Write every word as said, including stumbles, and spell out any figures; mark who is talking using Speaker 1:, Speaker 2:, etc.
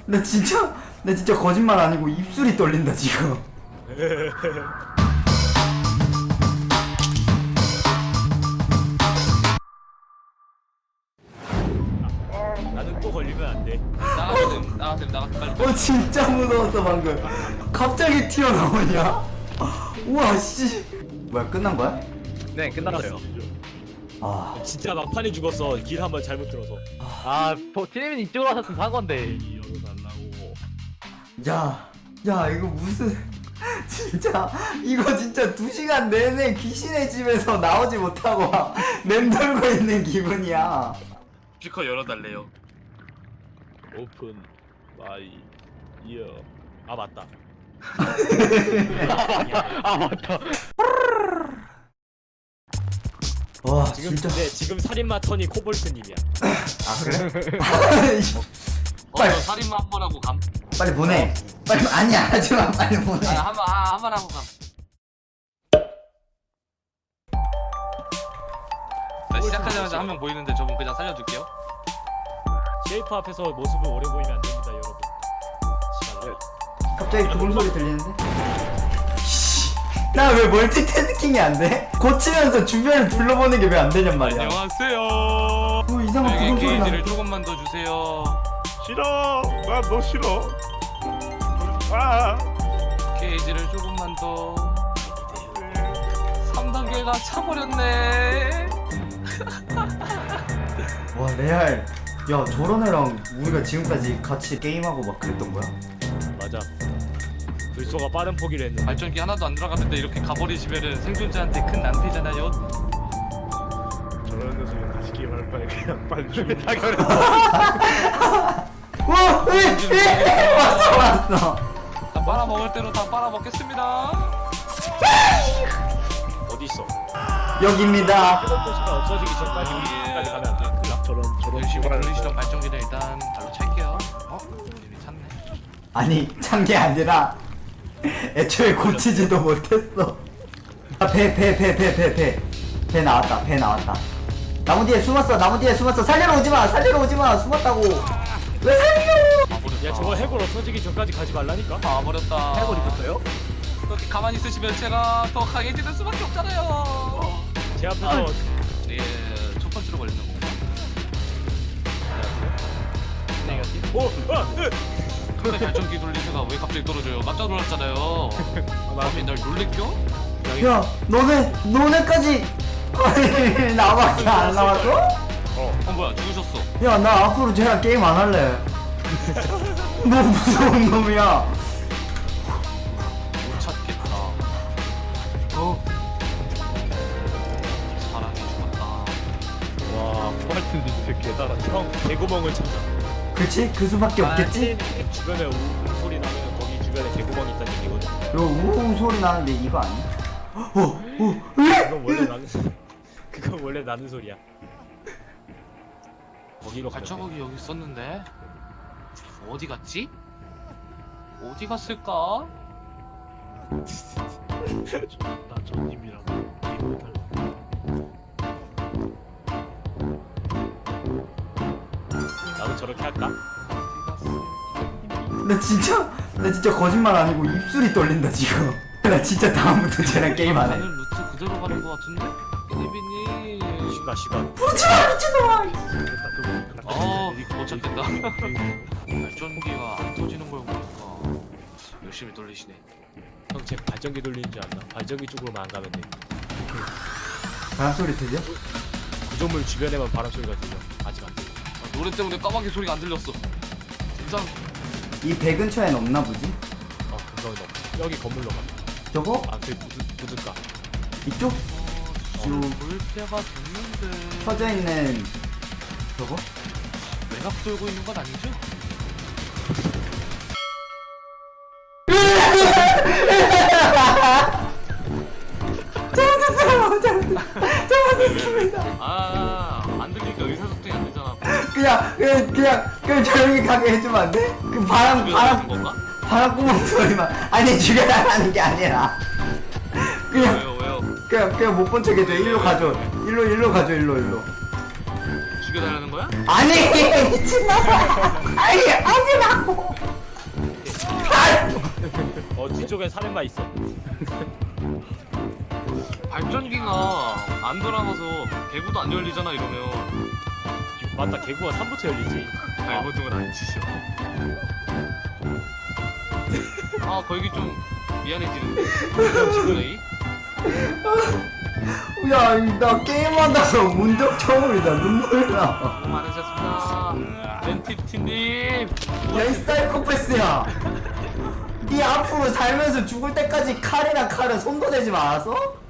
Speaker 1: 나 진짜 나 진짜 거짓말 아니고 입술이 떨린다 지금.
Speaker 2: 나는 또 걸리면 안 돼.
Speaker 3: 나가세요, 나가세요, 나가세요, 빨리.
Speaker 1: 어 진짜 무서웠어 방금. 갑자기 튀어나오냐? 우와 씨. 뭐야 끝난 거야?
Speaker 4: 네, 끝났어요.
Speaker 1: 아
Speaker 2: 진짜 막판에 죽었어. 길 한번 잘못 들어서.
Speaker 4: 아, 티네민이 이쪽으로 하셨으면 산 건데.
Speaker 1: 야, 야 이거 무슨 진짜 이거 진짜 두 시간 내내 귀신의 집에서 나오지 못하고 맴돌고 있는 기분이야.
Speaker 3: 스피커 열어달래요.
Speaker 2: 오픈 마이 이어. 아 맞다.
Speaker 4: 아, 맞다.
Speaker 1: 와
Speaker 2: 지금
Speaker 1: 진짜.
Speaker 2: 근데 지금 살인마 턴이 코볼트님이야.
Speaker 1: 아 그래?
Speaker 3: 어,
Speaker 1: 빨리.
Speaker 3: 저 살인마 한 번 하고 감.
Speaker 1: 빨리 보내. 빨리 아니야 하지마 빨리 보내.
Speaker 3: 아, 한 번, 아, 한 번 하고 감. 나 시작하자마자 한 명 보이는데 저분 그냥 살려줄게요.
Speaker 2: 쉐이프 앞에서 모습을 오래 보이면 안 됩니다, 여러분. 시간.
Speaker 1: 갑자기 그물 소리 들리는데? 나 왜 멀티태스킹이 안 돼? 고치면서 주변을 둘러보는 게 왜 안 되냔 말이야.
Speaker 3: 안녕하세요.
Speaker 1: 어 이상한
Speaker 3: 여기
Speaker 1: 그물 소리 나.
Speaker 3: 게이지를 조금만 더 주세요.
Speaker 5: 싫어. 나 너 싫어. 아.
Speaker 3: 게이지를 조금만 더. 삼 단계가 차버렸네.
Speaker 1: 와 레알. 야 저런 애랑 우리가 지금까지 같이 게임하고 막 그랬던 거야?
Speaker 2: 맞아. 불소가 빠른 포기를 했는데.
Speaker 3: 발전기 하나도 안 들어갔는데 이렇게 가버리시면은 생존자한테 큰 낭패잖아요.
Speaker 5: 저런 녀석이 다시 게임할 바에 그냥 빨리 죽여.
Speaker 1: 와! 에! 에! 왔어 왔어.
Speaker 3: 다 빨아먹을 대로 다 빨아먹겠습니다.
Speaker 2: 어디 있어?
Speaker 1: 여기입니다.
Speaker 2: 포스가 없어지기 전까지 우리 집까지 가면 안 돼. 큰일 나.
Speaker 5: 저런 저런
Speaker 3: 열심히
Speaker 5: 씨발.
Speaker 3: 돌리시던 발전기를 일단 발로 찰게요. 어? 이미 찼네.
Speaker 1: 아니 찬 게 아니라 애초에 고치지도 못했어. 배 배 배 배 배 배 배 나왔다 배 나왔다. 나무 뒤에 숨었어 나무 뒤에 숨었어. 살리러 오지마 살리러 오지마 숨었다고. 왜 살리려?
Speaker 3: 와버렸다.
Speaker 2: 야 저거 해골 없어지기 전까지 가지 말라니까.
Speaker 3: 다 와버렸다.
Speaker 4: 해골 입었어요?
Speaker 3: 그렇게 가만히 있으시면 제가 더 강해지는 수밖에 없잖아요.
Speaker 2: 제 앞에서
Speaker 3: 예, 첫 번째로 걸리는 건가?
Speaker 2: 오! 아! 으!
Speaker 3: 근데 발전기 돌리다가 왜 갑자기 떨어져요? 깜짝 놀랐잖아요. 나 맨날 놀래켜?
Speaker 1: 야 너네 너네까지 아니 나밖에 안 나왔어?
Speaker 3: 어, 뭐야 죽으셨어.
Speaker 1: 야 나 앞으로 쟤랑 게임 안 할래. 너 무서운 놈이야.
Speaker 3: 못 찾겠다. 어? 사람이 죽었다.
Speaker 4: 와, 코발트님 진짜 개잘하네.
Speaker 2: 형 개구멍을 찾아.
Speaker 1: 그치? 그 수밖에 없겠지?
Speaker 2: 주변에 우 소리 나면 거기 주변에 개구멍이 있다는 얘기거든.
Speaker 1: 요 우웅 소리 나는데 이거 아니야? 어? 어?
Speaker 2: 그건 원래 나는 그건 원래 나는 소리야. 거기로 가면 돼.
Speaker 3: 발자국이 여기 있었는데 어디 갔지? 어디 갔을까?
Speaker 5: 나 전님이랑 게임을 달라.
Speaker 2: 나도 저렇게 할까?
Speaker 1: 나 진짜 나 진짜 거짓말 아니고 입술이 떨린다 지금. 나 진짜 다음부터 쟤랑 게임 안 해.
Speaker 3: 가는 루트 그대로 가는 것 같은데? 예빈이.
Speaker 2: 시간 시간.
Speaker 1: 부르지마 미친놈아.
Speaker 3: 어, 못 찾겠다. 발전기가 안 터지는 걸 보니까 열심히 돌리시네.
Speaker 2: 형 제 발전기 돌리는 줄 안다. 발전기 쪽으로만 안 가면 돼.
Speaker 1: 바람 소리 들려?
Speaker 2: 구조물 주변에만 바람 소리가 들려. 아직 안 들려.
Speaker 3: 아, 노래 때문에 까마귀 소리가 안 들렸어. 진짜.
Speaker 1: 이 배 근처엔 없나 보지?
Speaker 2: 어 근성이 없어. 여기 건물로 가.
Speaker 1: 저거?
Speaker 2: 아그 부둣가.
Speaker 1: 이쪽?
Speaker 3: 어, 볼 때가 됐는데.
Speaker 1: 퍼져 있는 저거?
Speaker 3: 외곽 돌고 있는 건 아니죠?
Speaker 1: 잘못했습니다.
Speaker 3: 아, 안 들리니까 의사소통이 안 되잖아.
Speaker 1: 그냥 그냥 그냥 그냥 조용히 가게 해주면 안 돼? 그 바람
Speaker 3: 죽여달라는
Speaker 1: 바람
Speaker 3: 건가?
Speaker 1: 바람구멍 소리만. 아니 죽여달라는 게 아니라 그냥
Speaker 3: 왜요, 왜요?
Speaker 1: 그냥 그냥 못 본 척 해줘. 일로 가줘. 일로 일로 가줘. 일로 일로.
Speaker 3: 죽여달라는 거야?
Speaker 1: 아니 미친놈아. 아니 아니라고.
Speaker 2: 왼쪽에 살인마 있어.
Speaker 3: 발전기가 안 돌아가서 개구도 안 열리잖아 이러면.
Speaker 2: 맞다, 개구가 삼부터 열리지.
Speaker 3: 발버둥은 안 치셔. 아 거기 좀 미안해지는데. 지금
Speaker 1: 야, 나 게임하다가 문적 처음이다. 눈물 나.
Speaker 3: 수고 많으셨습니다. 렌티티님.
Speaker 1: 야, 이 사이코패스야. 네 앞으로 살면서 죽을 때까지 칼이랑 칼에 손도 대지 말았어?